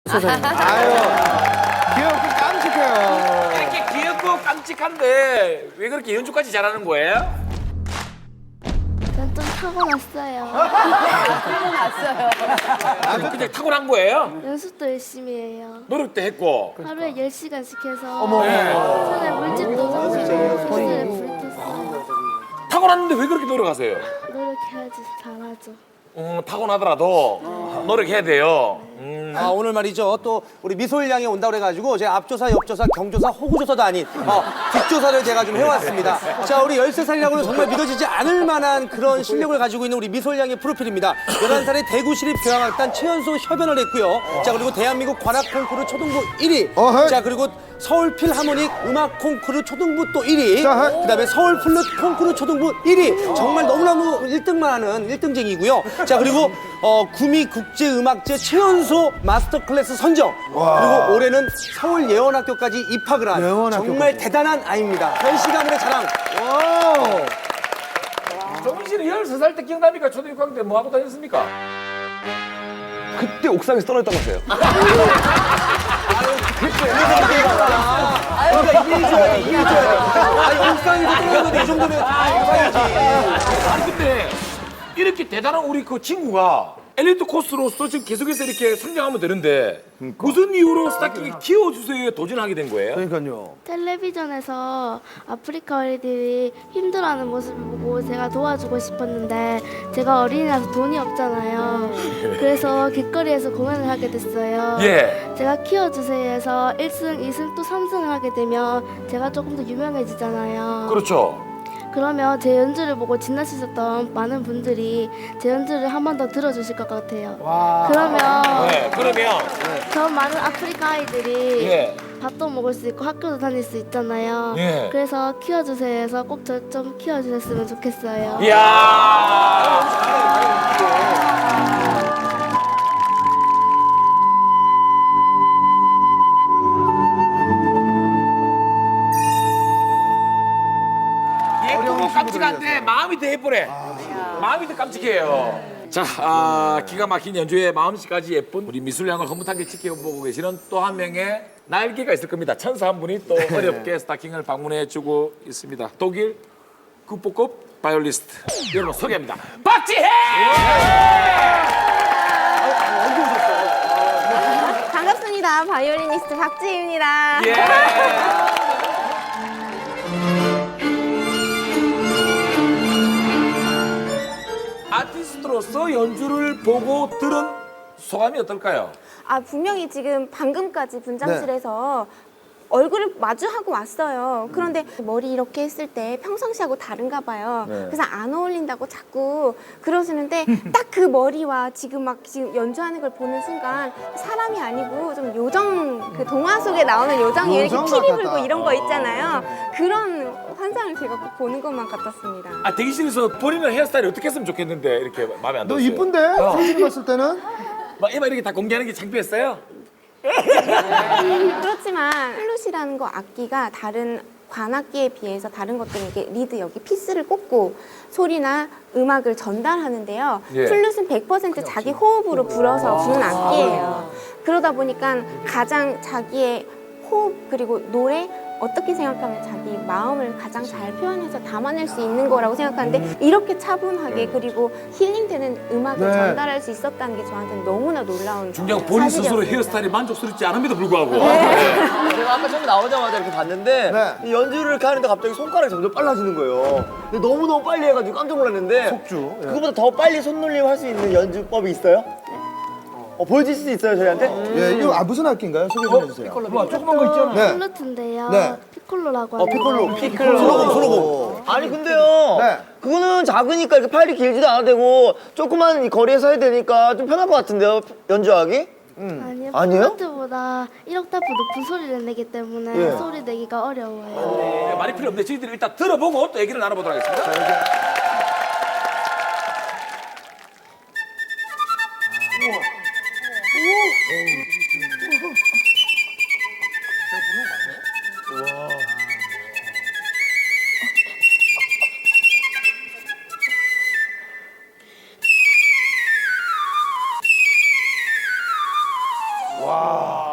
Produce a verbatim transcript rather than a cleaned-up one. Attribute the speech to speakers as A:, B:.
A: 아유, 귀엽고 깜찍해요.
B: 이렇게 귀엽고 깜찍한데 왜 그렇게 연주까지 잘하는 거예요?
C: 전 좀 타고났어요.
B: 아, 그냥 타고난 거예요?
C: 연습도 열심히 해요.
B: 노력도 했고.
C: 하루에 열 시간씩 해서 손에 물집도 잡고 손에 불 탔어요.
B: 타고났는데 왜 그렇게 노력하세요?
C: 노력해야지 잘하죠.
B: 음, 타고나더라도 노력해야 돼요. 음.
A: 아, 오늘 말이죠. 또 우리 미소일 양이 온다고 그래가지고 제가 앞조사, 옆조사, 경조사, 호구조사도 아닌 어, 뒷조사를 제가 좀 해왔습니다. 자, 우리 열세 살이라고는 정말 믿어지지 않을 만한 그런 실력을 가지고 있는 우리 미소일 양의 프로필입니다. 열한 살에 대구시립교향악단 최연소 협연을 했고요. 자, 그리고 대한민국 관악 콩쿠르 초등부 일 위. 자, 그리고 서울 필하모닉 음악 콩쿠르 초등부 또 일 위. 그 다음에 서울 플룻 콩쿠르 초등부 일 위. 정말 너무너무 일 등만 하는 일 등쟁이고요. 자, 그리고 어, 구미 국제음악제 최연소 마스터 클래스 선정. 그리고 올해는 서울 예원학교까지 입학을 한
D: 예원학교까지.
A: 정말 대단한 아이입니다. 현씨 가문의 자랑.
B: 정민 씨는 열세 살 때 기억납니까? 초등학교 때 뭐 하고 다녔습니까?
D: 그때 옥상에서 떨어졌다면서요.
A: 그러니까 이해해줘야 돼, 이해해줘야 돼. 아니, 옥상에서 떨어졌는데 이 정도면 옥상이지.
B: 아니 근데 이렇게 대단한 우리 그 친구가 엘리트 코스로서 지금 계속해서 이렇게 성장하면 되는데 무슨 이유로 스타킹을 키워주세요에 도전하게 된 거예요?
D: 그러니까요.
C: 텔레비전에서 아프리카 어린이들이 힘들어하는 모습을 보고 제가 도와주고 싶었는데 제가 어린이라서 돈이 없잖아요. 그래서 길거리에서 공연을 하게 됐어요.
B: 예.
C: 제가 키워주세요에서 일 승, 이 승, 또 삼 승을 하게 되면 제가 조금 더 유명해지잖아요.
B: 그렇죠.
C: 그러면 제 연주를 보고 지나치셨던 많은 분들이 제 연주를 한 번 더 들어주실 것 같아요. 그러면
B: 네, 그러면
C: 저 많은 아프리카 아이들이
B: 예.
C: 밥도 먹을 수 있고 학교도 다닐 수 있잖아요.
B: 예.
C: 그래서 키워주세요 해서 꼭 저 좀 키워주셨으면 좋겠어요.
B: 이야. 예쁘고 깜찍한데 마음이 더 예쁘네. 마음이 더 깜찍해요. 자, 아, 기가 막힌 연주에 마음씨까지 예쁜 우리 미술량을 흐뭇하게 지켜보고 계시는 또 한 명의 날개가 있을 겁니다. 천사 한 분이 또 어렵게 스타킹을 방문해주고 있습니다. 독일 국보급 바이올리스트 여러분 소개합니다. 박지혜!
E: 반갑습니다. 바이올리니스트 박지희입니다.
B: 예. 아티스트로서 연주를 보고 들은 소감이 어떨까요?
E: 아, 분명히 지금 방금까지 분장실에서 얼굴을 마주하고 왔어요. 그런데 머리 이렇게 했을 때 평상시하고 다른가 봐요. 그래서 안 어울린다고 자꾸 그러시는데 딱 그 머리와 지금 막 지금 연주하는 걸 보는 순간 사람이 아니고 좀 요정, 그 동화 속에 나오는 요정이 이렇게
D: 요정
E: 피리
D: 같았다.
E: 불고 이런 거 있잖아요. 그런 환상을 제가 꼭 보는 것만 같았습니다.
B: 아, 대기실에서 본인은 헤어스타일이 어떻게 했으면 좋겠는데 이렇게 마음에 안
D: 너
B: 들었어요.
D: 이쁜데?
B: 어.
D: 사진 봤을 때는?
B: 막 이마 이렇게 다 공개하는 게 창피했어요?
E: 그렇지만 플룻이라는 거 악기가 다른 관악기에 비해서 다른 것들은 이게 리드 여기 피스를 꽂고 소리나 음악을 전달하는데요.
B: 예.
E: 플룻은 백 퍼센트 자기 호흡으로 불어서 부는 악기예요. 그러다 보니까 가장 자기의 호흡 그리고 노래 어떻게 생각하면 자기 마음을 가장 잘 표현해서 담아낼 수 있는 거라고 생각하는데 이렇게 차분하게 그리고 힐링되는 음악을
D: 네.
E: 전달할 수 있었다는 게 저한테는 너무나 놀라운
B: 중요한 본인 스스로
E: 사실이었습니다.
B: 헤어스타일이 만족스럽지 않음에도 불구하고
F: 제가 아까 처음에 나오자마자 이렇게 봤는데
D: 네.
F: 이 연주를 이렇게 하는데 갑자기 손가락이 점점 빨라지는 거예요. 근데 너무너무 빨리 해가지고 깜짝 놀랐는데
D: 속주. 예.
F: 그거보다 더 빨리 손놀림 할 수 있는 연주법이 있어요? 어, 보여줄 수 있어요, 저희한테?
D: 예, 이거 아, 무슨 악기인가요? 소개 좀 해주세요.
B: 뭐 조그만 거 있잖아.
D: 네.
C: 플루트인데요.
D: 네.
C: 피콜로라고
F: 어,
C: 하는데
F: 피콜로.
D: 피콜로.
F: 소로공, 소로공. 아니, 근데요.
D: 네.
F: 그거는 작으니까 이렇게 팔이 길지도 않아도 되고 조그만 이 거리에서 해야 되니까 좀 편할 것 같은데요, 연주하기?
C: 아니요.
F: 아니에요?
C: 플루트보다 일 옥타프 높은 소리를 내기 때문에
F: 예.
C: 소리 내기가 어려워요.
B: 네, 말이 필요 없는데 저희들이 일단 들어보고 또 얘기를 나눠보도록 하겠습니다.
D: 와.
B: 야.